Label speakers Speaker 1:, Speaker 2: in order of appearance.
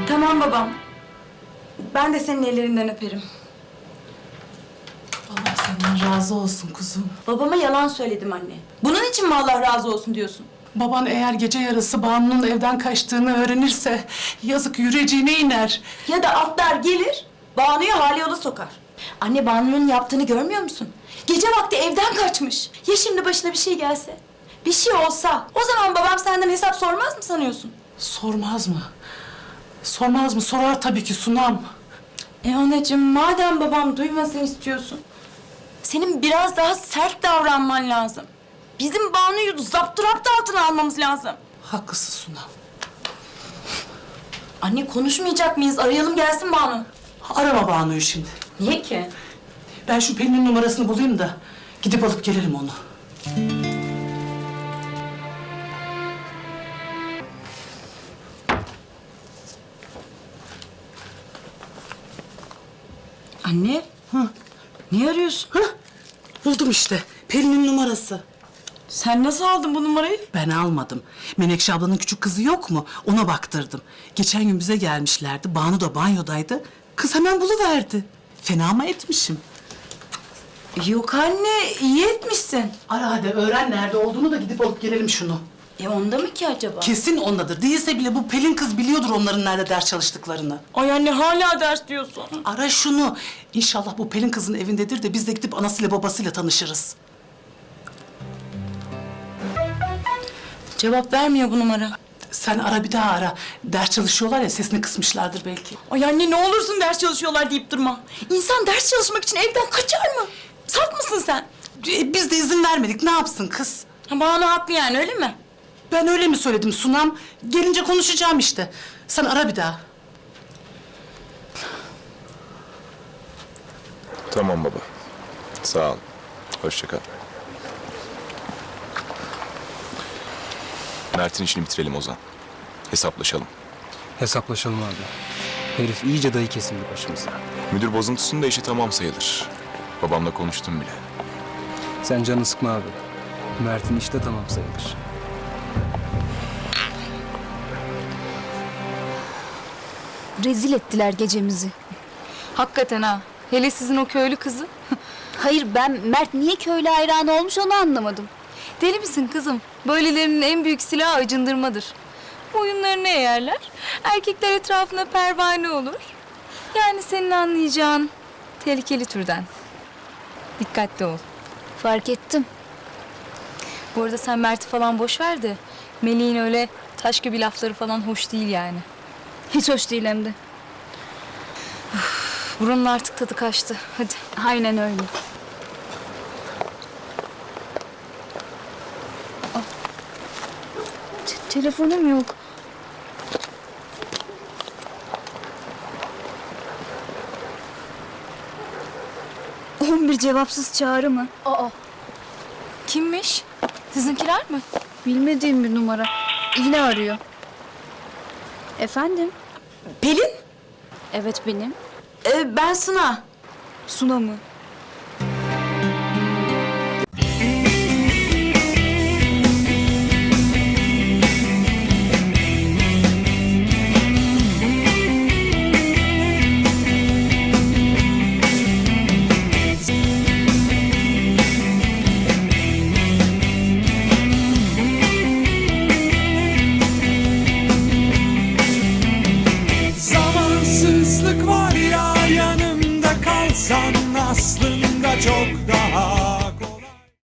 Speaker 1: Tamam babam. Ben de senin ellerinden öperim.
Speaker 2: Allah senden razı olsun kuzum.
Speaker 1: Babama yalan söyledim anne. Bunun için mi Allah razı olsun diyorsun?
Speaker 2: Baban eğer gece yarısı Banu'nun evden kaçtığını öğrenirse yazık yüreğine iner.
Speaker 1: Ya da atlar gelir, Banu'yu hali yola sokar. Anne Banu'nun yaptığını görmüyor musun? Gece vakti evden kaçmış. Ya şimdi başına bir şey gelse? Bir şey olsa, o zaman babam senden hesap sormaz mı sanıyorsun?
Speaker 2: Sormaz mı? Sormaz mı? Sorar tabii ki Sunam.
Speaker 1: Anacığım, madem babam duymasın istiyorsun, senin biraz daha sert davranman lazım. Bizim Banu'yu zapturapt altına almamız lazım.
Speaker 2: Haklısın Sunam.
Speaker 1: Anne konuşmayacak mıyız? Arayalım gelsin Banu.
Speaker 2: Arama Banu'yu şimdi.
Speaker 1: Niye ki?
Speaker 2: Ben şu Pelin'in numarasını bulayım da gidip alıp gelelim onu.
Speaker 1: Anne, niye arıyorsun?
Speaker 2: Buldum işte. Pelin'in numarası.
Speaker 1: Sen nasıl aldın bu numarayı?
Speaker 2: Ben almadım. Menekşe ablanın küçük kızı yok mu? Ona baktırdım. Geçen gün bize gelmişlerdi. Banu da banyodaydı. Kız hemen buluverdi. Fena mı etmişim?
Speaker 1: Yok anne, iyi etmişsin.
Speaker 2: Ara hadi öğren nerede olduğunu da gidip alıp gelelim şunu.
Speaker 1: Onda mı ki acaba?
Speaker 2: Kesin ondadır. Değilse bile bu Pelin kız biliyordur onların nerede ders çalıştıklarını.
Speaker 1: Ay anne hala ders diyorsun.
Speaker 2: Ara şunu. İnşallah bu Pelin kızın evindedir de biz de gidip anasıyla babasıyla tanışırız.
Speaker 1: Cevap vermiyor bu numara.
Speaker 2: Sen ara bir daha ara. Ders çalışıyorlar ya sesini kısmışlardır belki.
Speaker 1: Ay anne ne olursun ders çalışıyorlar deyip durma. İnsan ders çalışmak için evden kaçar mı? Saf mısın sen?
Speaker 2: Biz de izin vermedik. Ne yapsın kız?
Speaker 1: Banu haklı yani öyle mi?
Speaker 2: Ben öyle mi söyledim Sunam? Gelince konuşacağım işte. Sen ara bir daha.
Speaker 3: Tamam baba. Sağ ol. Hoşça kal. Mert'in işini bitirelim Ozan. Hesaplaşalım.
Speaker 4: Hesaplaşalım abi. Herif iyice dayı kesildi başımıza.
Speaker 3: Müdür bozuntusunda işi tamam sayılır. Babamla konuştum bile.
Speaker 4: Sen canını sıkma abi. Mert'in işi de tamam sayılır.
Speaker 5: Rezil ettiler gecemizi.
Speaker 6: Hakikaten ha. Hele sizin o köylü kızı.
Speaker 5: Hayır ben Mert niye köylü hayranı olmuş onu anlamadım.
Speaker 6: Deli misin kızım? Böylelerinin en büyük silahı acındırmadır. Boyunlarını eğerler. Erkekler etrafına pervane olur. Yani senin anlayacağın tehlikeli türden. Dikkatli ol.
Speaker 5: Fark ettim.
Speaker 6: Bu arada sen Mert'i falan boş ver de Melih'in öyle taş gibi lafları falan hoş değil yani.
Speaker 5: Hiç hoş değil hem de.
Speaker 6: Buranın artık tadı kaçtı. Hadi.
Speaker 5: Aynen öyle. Telefonum yok. Bir cevapsız çağrı mı?
Speaker 6: Kimmiş? Sizinkiler mi?
Speaker 5: Bilmediğim bir numara. Yine arıyor. Efendim?
Speaker 1: Pelin,
Speaker 5: Evet benim.
Speaker 1: ben Suna.
Speaker 5: Suna mı?
Speaker 7: Zamansızlık var ya yanımda kalsan aslında çok daha